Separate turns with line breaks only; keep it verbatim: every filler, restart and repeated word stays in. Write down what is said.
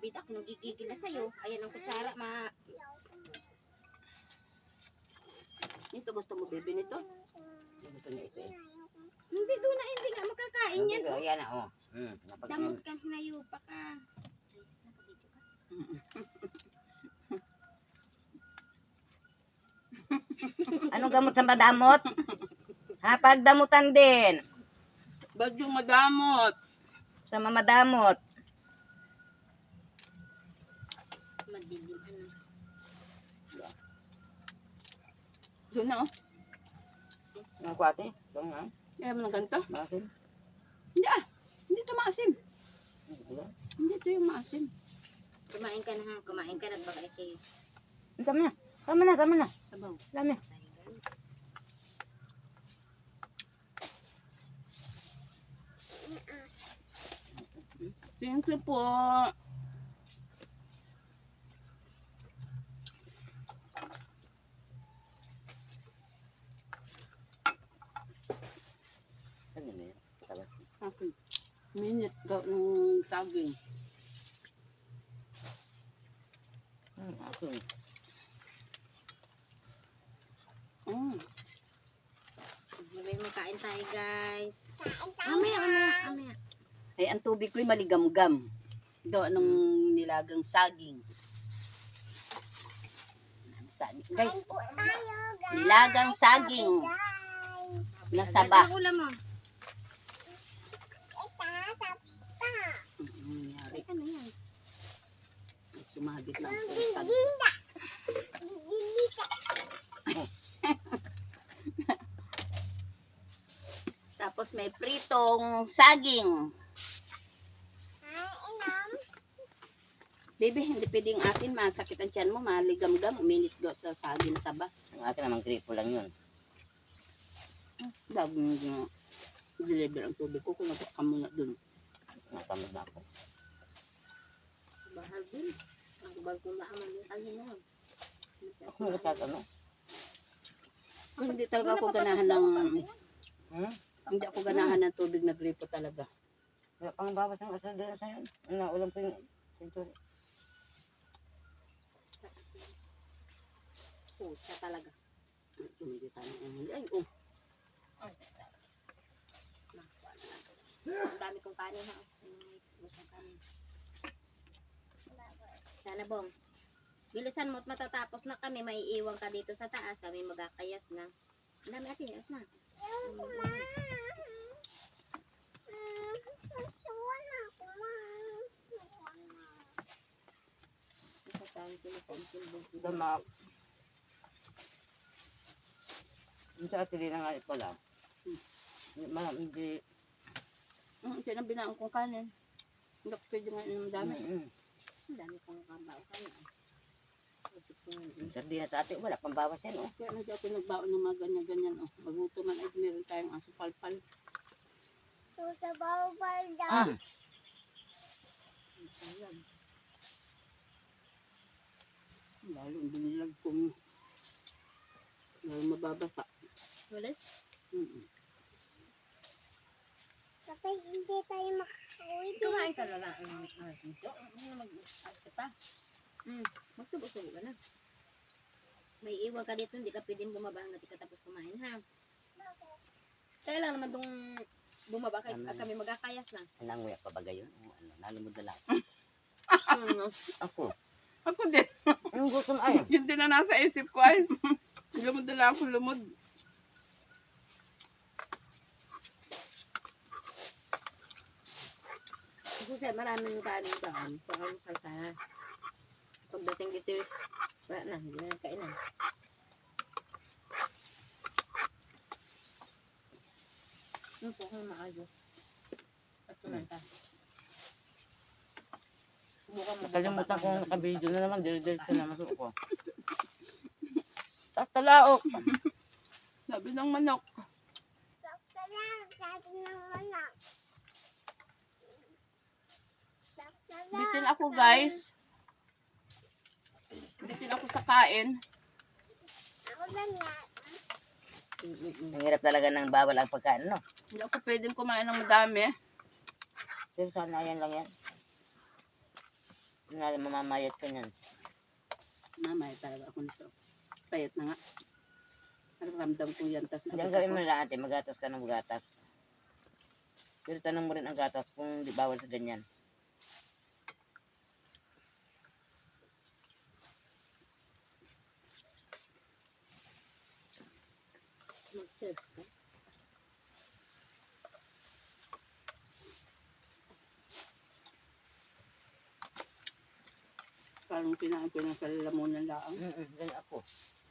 Bida ako nagigigil na sa'yo. Ayan ang kutsara, ma...
Ito gusto mo, baby, nito? Gusto niya ito eh.
Hindi doon na, hindi nga makakain yan.
Oh. Yan na, oh. Hmm,
damot kang hinayupa ka.
Anong gamot sa madamot? Ha, pagdamutan din.
Ba't yung madamot?
Sa mamadamot.
Madilim, ano.
Doon na, oh.
Ang kwate? Ito nga.
Kaya mo na ganito?
Bakit?
Hindi ah. Hindi ito maasim. Hindi ito yung maasim.
Kumain ka na ha. Kumain ka na. Baka ikaw.
Tama na. Tama na, tama na.
Sabaw.
Tama na.
Thank you po.
Ano na yun? Tabas.
Okay. Minute ka ng saging.
Hmm, ako.
Mm.
Sabay magkain tayo guys. Mamaya, mamaya, mamaya.
Ay, ang tubig ko'y maligamgam. Gawa ng nilagang saging. Saging. Guys, nilagang saging. Nasaba.
Ano ulam mo?
Mm, nangyari.
Ano yan?
Sumagit lang po. Saging. Tapos may pritong saging. Baby, hindi pwedeng akin. Masakit ang tiyan mo. Maligam-gam. Uminit daw sa saging saba.
Ang akin naman gripo lang yun.
Bago nyo na deliver ang tubig ko. Kung nagka muna dun.
Natamad na ako.
Bahal din. Ang bago maaman yung kanya na.
Ako nagkasat ano?
Hindi talaga ako ganahan ng...
Hmm?
Hindi ako ganahan ng tubig na gripo talaga.
Kaya pang bawas ng asal doon sa yun. Ano, ulam ko yung pinto.
Pusa talaga.
Hindi tayo. Ay, oh.
Ang dami kong kanin ha. Busang kanin. Sana bong. Bilisan mo at matatapos na kami. Maiiwan ka dito sa taas. Kami magkakayas na. Ang dami natin. Ayos na.
Dama. Yung sa atili na nga pala. Hindi, ma- hindi.
Mm, siya na binaan kong kanin. Hindi ko pwede nga inom dami.
Mm-mm.
Ang dami kong kabaw kanin.
Yung sardinas sa ate, wala pang bawas yan, oh.
Kaya hindi ako nagbaon ng mga ganyan-ganyan. Oh. Maguto man ay meron tayong aso palpal.
So, sa bawal daw.
Ah,
Ayan. Lalong binilag kong lalong mababasa.
Walis?
Mm-mm.
Kapag hindi tayo makakawin. Kumain ka na lang. Ano mag-asa pa? Hmm. Magsubo-subo ka na. May iwan ka dito. Hindi ka pwedeng bumaba hanggang di ka tapos kumain ha. Kaya lang naman itong bumaba kay,
Tama.
kami magkakayas na.
nanguya pa bagay yun? Oh, ano, nalimod na lang.
Ano?
Ako.
Ako din.
Anong gusto ay?
Yun din na nasa isip ko ay. Lumod na lang ako lumod.
Kasi maraming kanin doon. So, ang salsa na. Pagdating dito, wala na. Hindi na kainan. Ano po kung maayos? At kumanta.
Nakalimutan ko nakabidyo na naman. Dire-diretso na masuk ko. Tapos talaok.
Sabi ng manok.
Sabi ng manok.
Bitin ako guys. Bitin ako sa kain.
Ako ganyan.
Ang hirap talaga ng bawal ang pagkain, no?
Hindi ako pwedeng kumain ng madami.
Pero sana yan lang yan. Nga lang mamamayat ka niyan.
Mamaya talaga ako nito. Payat na nga. Ramdam ko yan. Tas
Hindi ang gawin mo nila ate, magatas ka ng magatas. Pero tanong mo rin ang gatas kung di bawal sa ganyan.
Mag-search ka.
Parang kinain ko ng kalalamunan lang.
Mm-mm, ganyan ako.